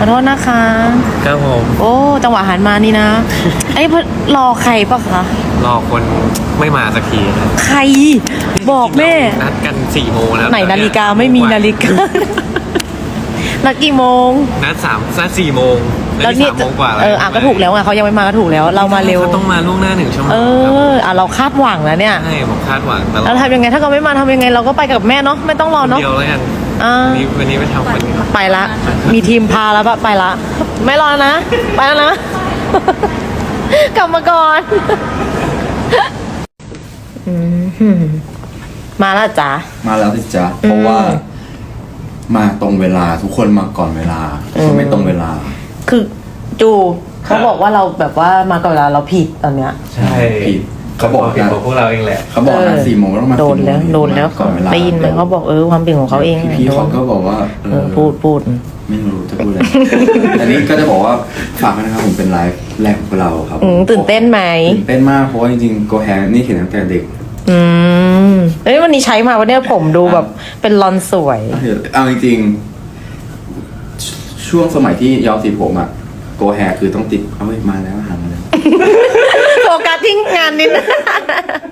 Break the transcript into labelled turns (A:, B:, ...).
A: อโทษนะคะ
B: ครับผม
A: โอ้จังหวะหันมานี่นะไอ้รอใครปะคะ
B: รอคนไม่มาสักทีนะ
A: ใครบอกแม่
B: นัดกัน4 โมงแล้ว
A: ไหนนาฬิกาไม่มีนาฬิกา นัดกี่โมง
B: นัด4 โมง
A: แล้วเนี่ย
B: 3 โมงกว่า
A: ก็ถูกแล้วไงเขายังไม่มาก็ถูกแล้วเรามาเร็ว
B: เขาต้องมาล่วงหน้า1 ชั่วโมง
A: เราคาดหวังแล้วเนี่ย
B: ใช่ผมคาดหวังตลอด
A: เราทำยังไงถ้าเขาไม่มาทำยังไงเราก็ไปกับแม่เนาะไม่ต้องรอเนาะ
B: เดียวแล้วกัน วันนี้ไปทำคนเดียว
A: ไปละ มีทีมพาแล้วปะไปละ ไม่รอนะ ไปแล้วนะ กลับมาก่อนมาแล้วจ้ะ
C: มาแล้วสิจ๊ะเพราะว่ามาตรงเวลาทุกคนมาก่อนเวลาคนไม่ตรงเวลา
A: คือจูเขาบอกว่าเราแบบว่ามาก่อนเวลาเราผิดตอนเนี้ย
B: ใช่
C: ผิดเขาบอก
B: ผิดของพวกเราเองแหละ
C: เขาบอกนะ4 โมงต้องมา
A: โดนแล้ว
C: 4
A: โดนแล้ว
C: ก่อนเวลา
A: ได้ยินไหมเขาบอกความผิดของเขาเอง
C: พี่เขาก็บอกว่า
A: พูด
C: ไม่รู้จะพูดอะไร อันนี้ก็จะบอกว่าฝากไว้นะครับผมเป็นไลฟ์แรกของพวกเราครับ
A: ตื่นเต้นไหม
C: ตื่นเต้นมากเพราะว่าจริงๆโกแฮนี่เห็นตั้งแต่เด็ก
A: วันนี้ใช้มาวันนี้ผมดูแบบเป็นลอนสวย
C: เอาจริงๆช่วงสมัยที่ย้อมสีผมอะโกแฮคือต้องติดเอ้ยมาแล้วหามาแล้ว
A: โฟกัสที่งานนิดนึง